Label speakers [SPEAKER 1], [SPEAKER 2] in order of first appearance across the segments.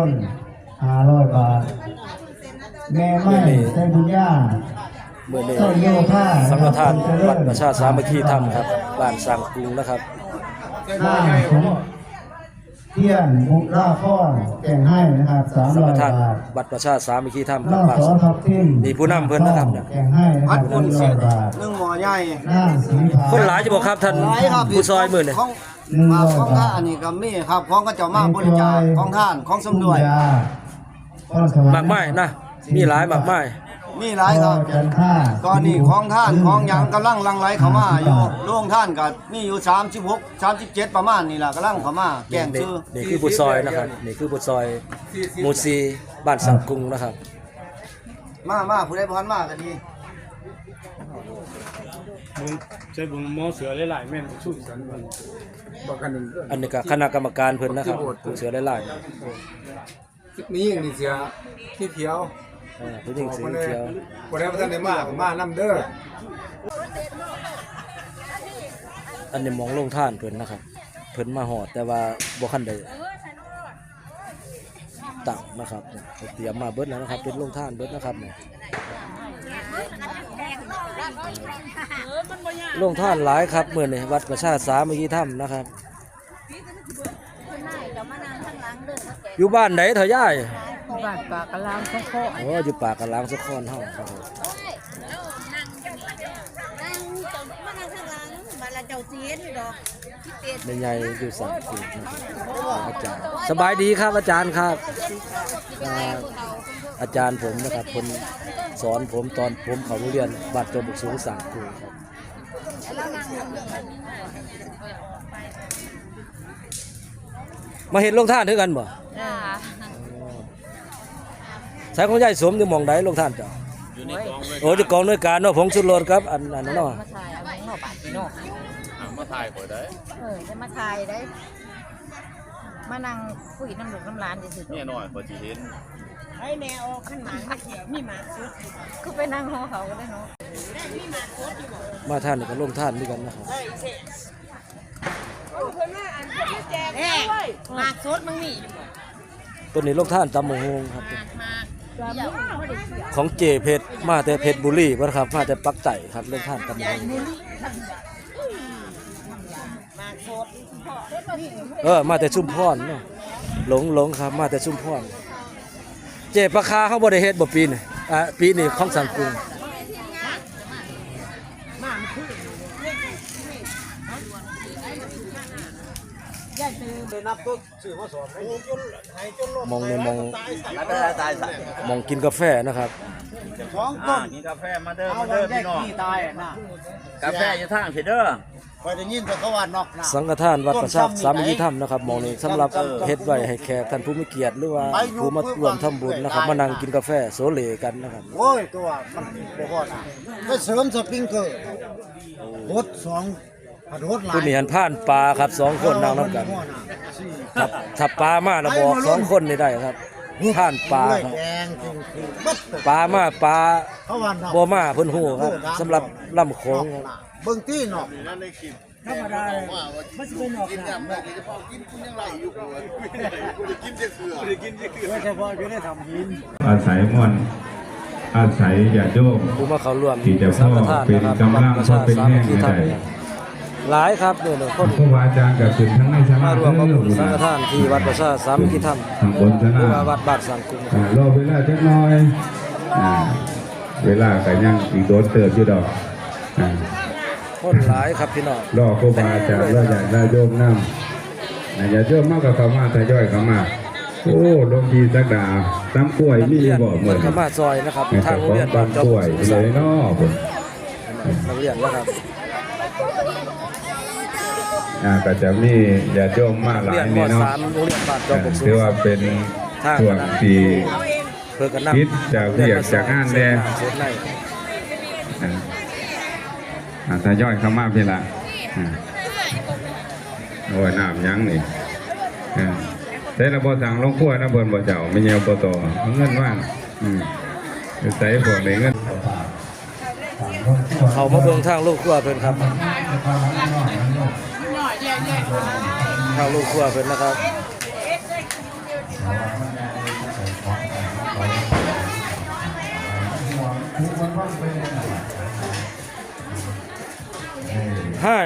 [SPEAKER 1] น500 บาทแม่ไม่ใจบุญญา
[SPEAKER 2] เมื่อนี้สังฆทานวัดประชาสามัคคีธรรมครับบ้านสร้างกรุงนะครับ
[SPEAKER 1] บ้านของเที่ยนบุราพรแก่งให้นะครับ300 บาท
[SPEAKER 2] วัดประชาสามัคคีธรรม
[SPEAKER 1] บ้านสอทับทิม
[SPEAKER 2] นี่ผู้นำเพิ่นนะครับ
[SPEAKER 1] แก่งให้นะครับ100 บาท
[SPEAKER 3] 1หม้อใหญ่
[SPEAKER 2] คนหลายจะบอกครับท่านผู้ซอยมื้อนี่
[SPEAKER 3] ของท่านอันนี้ก็มีครับของก็เจ้ามาบริจาคของท่านของสมด้วย
[SPEAKER 2] มากมายนะมีหลายมากมาย
[SPEAKER 3] มีหลายครับตอนนี้ของท่านของหยังกำลังลังไหลเข้ามาอยู่โรงท่านก็มีอยู่36 37ประมาณนี่ล่ะกำลังเข้ามาแกงชื่อ
[SPEAKER 2] นี่คือผู้ซอยนะครับนี่คือผู้ซอยหมู่4บ้านสร้างกรุงนะครับ
[SPEAKER 3] มาผู้ใดบ่ทันมาก็ดี
[SPEAKER 4] ใช้บุญหมอเสือหลายๆแม่นสู้สันมันบอกกัน
[SPEAKER 2] อันนี้ก็คณะกรรมการเพิ่นนะครับเสือหลาย
[SPEAKER 4] ๆมีอย่างนี้เสือที่เขียว
[SPEAKER 2] ผู้หญิงสีเขียว
[SPEAKER 4] บ่ได้บ่ทันได้มานำเด้อ
[SPEAKER 2] อันนี้มองลงท่านเพิ่นนะครับเพิ่นมาหอดแต่ว่าบ่คันได้ตั้งนะครับเตรียมมาเบิดแล้วนะครับเป็นลงท่านเบิดนะครับลงท่านหลายครับมื้อนี้วัดประชาสามัคคีธรรมนะครับอยู่บ้านไหนเถอะย่าย
[SPEAKER 5] บ้านปากกะลางสะโค
[SPEAKER 2] โอ้อยู่ปากกะลางสะโคเฮาครับในใหญ่อยู่3 ปีอาจารย์สบายดีครับอาจารย์ครับอาจารย์ผมนะครับคนสอนผมตอนผมเข้าโรงเรียนบ้านจอมบุกสูง3 ปีครับมาเห็นลงท่านด้วยกันบ่ใช้ของยายสมอยู่หม่องใดลงท่านจ้ะอยู่ในกองโอ้อยู่กองหน่วยการเนาะผงชุดรถครับอันนั้นเนาะ
[SPEAKER 5] มาถ่ายเอาของเนาะบาดพี่เนาะ
[SPEAKER 6] มาถ่ายข่อยได้
[SPEAKER 5] จะมาถ่ายได้มานั่งคุยน้ำลูกน้ำหลานซื่อๆ
[SPEAKER 6] เนี่ยน้อยพอสิเห็น
[SPEAKER 5] ให้แม่ออกขั้นหมาเขียวมีหมาสุดคือไปนั่งห่อเขาก็ได้เนาะ
[SPEAKER 2] มาท่านก็ลงท่านด้วยกันนะครับ
[SPEAKER 5] หมาสุดมึงนี่
[SPEAKER 2] ตัวนี้ลงท่านตำมงฮงครับของเจเพชรมาแต่เพชรบุรีบ่ครับมาแต่ปักไต่ครับลงท่านตำมงฮงมาแต่ชุมพรเนาะหลงครับมาแต่ชุมพรเจปลาคาเขาบ่ได้เฮ็ดบ่ปีนี่ปีนี้ของสังกุงมองในมองกินกาแฟนะครับ
[SPEAKER 6] กินกาแฟมาเด้อพี่น้องกาแฟอยู่ทางเพเด้อ
[SPEAKER 3] คอยได้ยินแต่เขาว่านอก
[SPEAKER 2] สังฆทานวัดประชาสามัคคีธรรมนะครับมองนี้สำหรับเฮ็ดไว้ให้แขกท่านผู้มีเกียรติหรือว่าผู้มาร่วมทำบุญนะครับมานั่งกินกาแฟโซเลกันนะครับ
[SPEAKER 3] โอ้ยตัวมันบ่พอนะไปเสริมสปริงเกอร์รถ2รถหลาย
[SPEAKER 2] ผู้นี้หันผ่านปลาครับ2 คนนั่งนำกันถ้าปลามาแล้วบอก2 คนนี่ได้ครับผ่านปลาครับปลามาปลาบ่มาเพิ่นฮู้ครับสำหรับลำโขง
[SPEAKER 3] เบิ่งตี้เนาะ
[SPEAKER 5] ธรรมดามันสิเป็นนอกกินยัง
[SPEAKER 6] ไหลอยู่กินเสือกิน
[SPEAKER 3] เฉพาะอยู่ได้ทำยิน
[SPEAKER 7] อาศัยม่วนอาศัยญาติโยม
[SPEAKER 2] ผู้มาเข้าร่วม
[SPEAKER 7] ที่จะพ่อเป็นกำลังพ่อเป็นแห้งได้
[SPEAKER 2] หลายครับเนี่ยคน
[SPEAKER 7] ครูบาอาจารย์กับถึงทั้งในชาติ
[SPEAKER 2] มาร่วมกับบุญสังฆทานที่วัดประชาสามัคคีธรรมหรือว่าวัดบ้านสังกุง
[SPEAKER 7] รอเวลาจักหน่อยเวลาก็ยังอีกโดนเติบอยู่ดอก
[SPEAKER 2] คนหลายครับพี่น้อง
[SPEAKER 7] รอครูบาอาจารย์รออยากได้โยมน้ำอย่าโยมมากกับเขามาทยอยเขามาโอ้ลงดีสักดาตำกล้วยมีบ่เหมือน
[SPEAKER 2] เขามาซอยนะครับทางโรงเรียนบ้านจอม
[SPEAKER 7] กล้วยเลยเนาะ
[SPEAKER 2] นักเรียนนะครับ
[SPEAKER 7] ก็จะมีญาติโยมมากหลายนี่เนาะถือว่าเป็นส่วนที่คิดจากเรียกจากงานแดงทยอยเข้ามาพี่ละโอ้ยน้ำยั้งนี่แต่เราบ่สั่งลงขั้วนะเบิ่นบ่เจ้าไม่เงียวบ่ต่อเงินว่างใส่พวกนี้เงิน
[SPEAKER 2] เขามาเบิ่งทางลูกขั้วเพิ่นครับทางลูกขั้วเพิ่นนะครับให้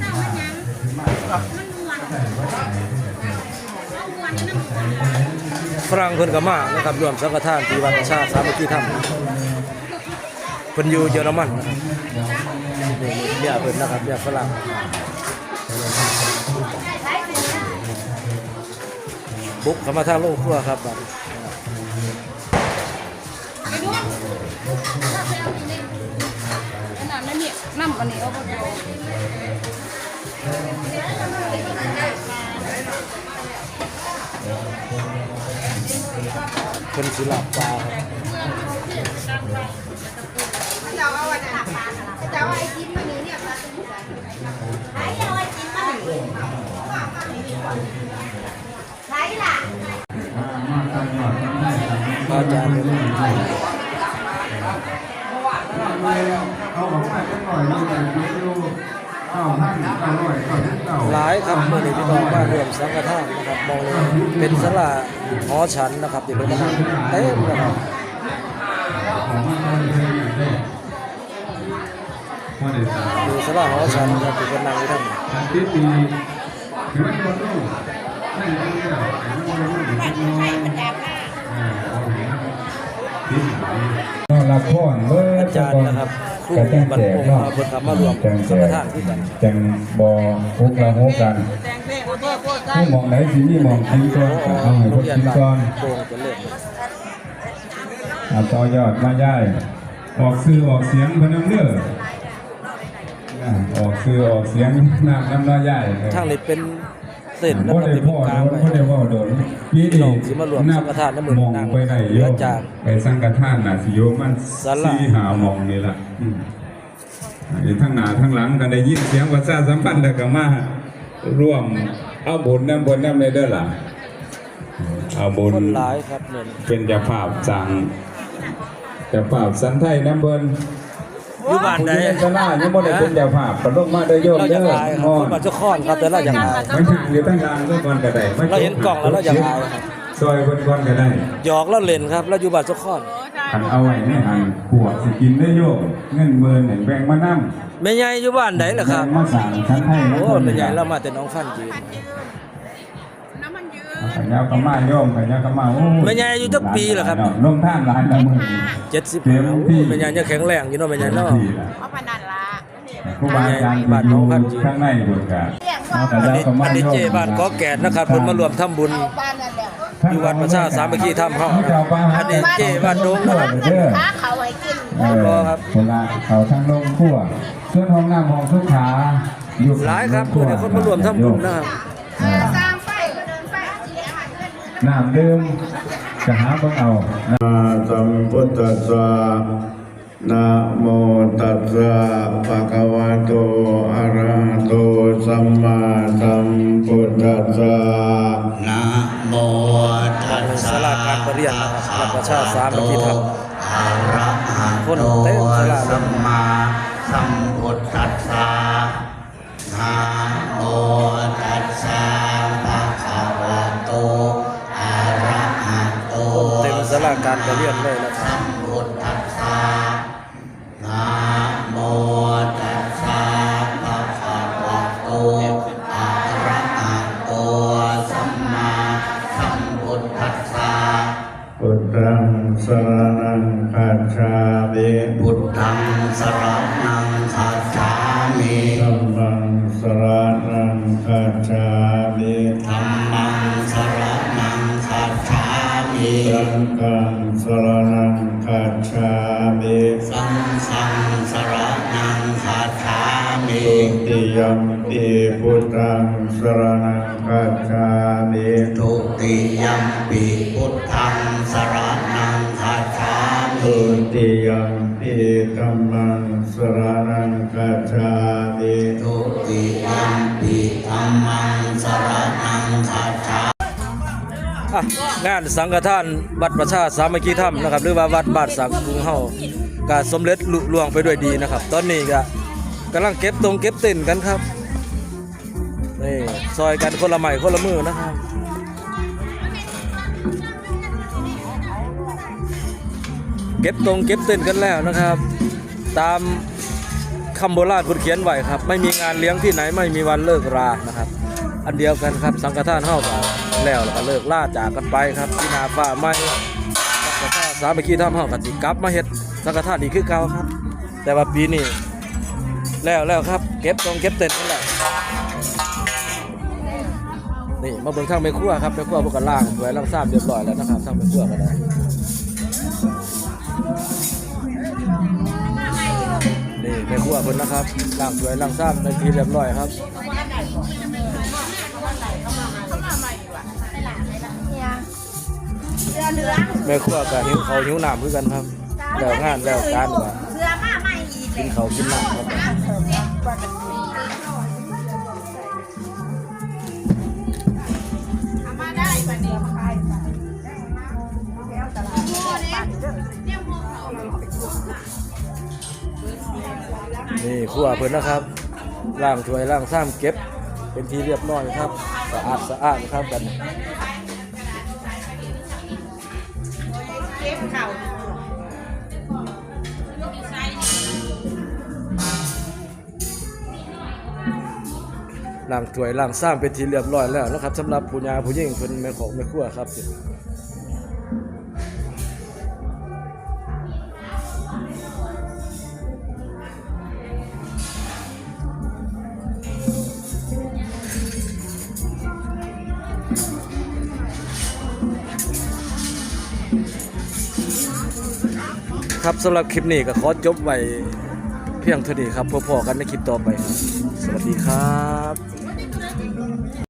[SPEAKER 2] ฝรั่งเพิ่นก็มานะครับรวมสังฆทานที่วัดประชาสามัคคีธรรมเพิ่นอยู่เยอรมันนะครับนี่เนี่ยเพิ่นนะครับเนี่ยฝรั่งบุกเข้ามาทางโรงครัวครับบัด
[SPEAKER 5] น้ำอันนี้เอาไป
[SPEAKER 2] เป็นศิลปะครับ
[SPEAKER 5] เจ้าเอาไว้ในปลาเจ้าเอาไอ้จิ้มมันนี้เนี่ยปลาตุ้งใส่ใช้เอาไอ้จิ้มมันนี้ใช้ล่ะ
[SPEAKER 2] อาจารย์
[SPEAKER 1] เขาบอกว่าจะหน่อยเราแต่ไม่รู้เข้าท่านอร่อยก็ทุกเก่า
[SPEAKER 2] หลายครับเมื่อนี้พี่น้องมารวมสังฆทานนะครับมองเลยเป็นศาลาหอฉันนะครับที่เป็นเต็มนะครับดูศาลาหอฉันครับที่เป็นนางที่ทำ
[SPEAKER 7] ที่ปีถึงคนลูกนั่นเป็นเรื่องละครเมื่อ
[SPEAKER 2] อาจารย์นะครับครูบรรพงศ์มาเพิ่นมารวมสังฆทานด้วยกัน
[SPEAKER 7] จังบอพวกเราโหกันผู้มองไหนสิมีมองกินก่อนเอาให้
[SPEAKER 2] โร
[SPEAKER 7] พว
[SPEAKER 2] ง
[SPEAKER 7] ก
[SPEAKER 2] เรีย
[SPEAKER 7] กิ
[SPEAKER 2] น
[SPEAKER 7] น
[SPEAKER 2] บ้าน
[SPEAKER 7] ก่อน
[SPEAKER 2] โป่งจะเลิศ
[SPEAKER 7] ต่อยอดมาย่ายออกซื้อออกเสียงพนันเนื้อออกซื้อออกเสียงน้ำน้าย่าย
[SPEAKER 2] ทางนี้เป็นเส้นนะ
[SPEAKER 7] พ่อ
[SPEAKER 2] ครับ
[SPEAKER 7] ได้
[SPEAKER 2] ที่
[SPEAKER 7] พ่
[SPEAKER 2] เป็
[SPEAKER 7] อน
[SPEAKER 2] กลาง
[SPEAKER 7] โดนพ่อได้ว่าโดนปีนี้มองไปไหนโยมไปสังฆทานน่ะสิโยมมัน4 5มองนี่ล่ะทั้งหน้าทั้งหลังก็ได้ยินเสียงประชาสัมพันธ์แล้วก็มาร่วมเอาบุญน้ำในเด้อล่ะเอาบุญ
[SPEAKER 2] คนหลายครับเนี่ย
[SPEAKER 7] เป็นเจ้าภาพจังเจ้าภาพสันไทยน้ำเบิ้น
[SPEAKER 2] อยู่บ้านใด
[SPEAKER 7] ชนะยังบ่ได้เป็นเจ้าภาพก็ลงมาได้โยม
[SPEAKER 2] เราอ
[SPEAKER 7] เด้
[SPEAKER 2] ยาก
[SPEAKER 7] อ
[SPEAKER 2] อายครับคนบ้านเจ้าข้อนครับแต่เราอยากอาย
[SPEAKER 7] ไม่ห่างอยู่ตั้งกลางก็ก่อนก็ได้
[SPEAKER 2] เราเห็นกล่องแล้วเราอยากอายครับ
[SPEAKER 7] ซอยเพิ่นก่อนก็ได้
[SPEAKER 2] หยอกแล้วเล่นครับแล้วอยู่บ้านเจ้าข้อน
[SPEAKER 7] คันเอาไว้ในหันขวดสิกินได้โยมเงิน10,000ให้แบ่งมานำ
[SPEAKER 2] แม่ใหญ่อยู่บ้านไหนล่ะครับ
[SPEAKER 7] มาสั่งชั้นให้
[SPEAKER 2] โอ้แม่ใหญ่เรามาแต่น้องฟันจีน
[SPEAKER 7] ขยาวกะมาโยมขยาวกะมาโอ้
[SPEAKER 2] แม่ใหญ่อายุจักปีเหรอครับ
[SPEAKER 7] ลงท่านหลายละมื้อ
[SPEAKER 2] 70โอ้แม่ใหญ่ยังแข็งแรงอยู่เนาะแม่ใหญ่เนาะ
[SPEAKER 5] เอาพนันละ
[SPEAKER 7] ครูบาอาจารย์อยู่ข้างในบนกัน
[SPEAKER 2] อันนี้เจบ้านกอแก่นนะครับเพิ่นมารวมทำบุญ
[SPEAKER 5] บ้านนั่นแหละ
[SPEAKER 2] อยู่วัดประชาสามัคคีธรรมเฮาอันนี้เจบ้านดงนะครับ
[SPEAKER 5] ค้าเขาให้กิน
[SPEAKER 7] คนละเขาทั้งลงขั้วส่วนห้องน้ำห้องสุขาอยู่
[SPEAKER 2] หลายครับเมื่อนี้คนมารวมทำบุญนะครับ
[SPEAKER 5] สร้างไฟก็เดินไฟเอาเสียหายเงิน
[SPEAKER 7] น้ำดื่มจะหาเบิ่งเอา
[SPEAKER 8] สัมพุทธัสสะนะโมตัสสะภะคะวะโตอะระหะโตสัมมาสัมพุทธัสสะนะโมตัส
[SPEAKER 2] ศา
[SPEAKER 8] สะ
[SPEAKER 2] ลาการประเรียนนะครับวัดประชาสามัคคีธรรม
[SPEAKER 8] อะระหะ
[SPEAKER 2] คน
[SPEAKER 8] โต
[SPEAKER 2] เต็มศาลา
[SPEAKER 8] สัมมาสัมพุทธัสสะนะโมตัสสะภะคะวะโตอะระหะโต
[SPEAKER 2] เต็มศาลาการประเรียนเลยนะครับ
[SPEAKER 8] พุทธัสสะนะโมตัสสะภะคะวะโตอะระหะโตสัมมาสัมพุทธัสสะพุทธังสรณังคัจฉามิพุทธังสรณังคัจฉามิธัมมังสรณังคัจฉามิธัมมังสรณังคัจฉามิสังฆังสรณังคัจฉามิสังฆังสรณังคัจฉามิทุติยัมปิพุทธังสรณังคัจฉามิทุติยัมปิพุทธังสรณังคัจฉามิทุติยัมปิธัมมังสรณังคัจฉามิทุติยัมปิธัมมังสรณังคัจฉามิ
[SPEAKER 2] อ่ะงานสังฆทานวัดประชาสามัคคีธรรมนะครับหรือว่าวัดบ้านสังกรุงเฮาก็สำเร็จลุล่วงไปด้วยดีนะครับ ตอนนี้ก็กำลังเก็บเต้นกันครับนี่ซอยกันคนละไม้คนละมือนะครับเก็บเต้นกันแล้วนะครับตามคำโบราณพูดเขียนไว้ครับไม่มีงานเลี้ยงที่ไหนไม่มีวันเลิกรานะครับอันเดียวกันครับสังฆทานเฮาก็แล้วก็เลิกล่าจากกันไปครับที่นาฟ้าไม่สังฆทานสามัคคีธรรมเฮาก็สิกลับมาเฮ็ดสังฆทานอีกคือเก่าครับแต่ว่าปีนี้แล้วครับเก็บตรงเก็บเต็นนั่นแหละนี่มาเบิ่งทางแม่ครัวครับแม่ครัวพวกกันล่างสวยล่างซ้ำเรียบร้อยแล้วนะครับทางแม่ครัวก็ได้นี่แม่ครัวเพิ่นนะครับล่างสวยล่างซ้ำในทีเรียบร้อยครับแม่ครัวก็หิวข้าวหิวน้ำคือกันครับแล้วงานแล้วการว่า
[SPEAKER 5] เสื้อมาใหม่อีก
[SPEAKER 2] กินข้าวกินน้ำครับ
[SPEAKER 5] มาได้บัดนี้
[SPEAKER 2] นี่ครัวเพิ่นนะครับล้างถ้วยล้างซ้ำเก็บเป็นที่เรียบร้อยครับสะอาดครับกัน
[SPEAKER 5] เก็บเข่า
[SPEAKER 2] ล้างถ้วยล้างซ้ำเป็นที่เรียบร้อยแล้วนะครับสำหรับผู้ยาผู้หญิงเพิ่นแม่ของแม่ครัวครับครับสำหรับคลิปนี้ก็ขอจบไว้เพียงเท่านี้ครับพบกันในคลิปต่อไปครับสวัสดีครับ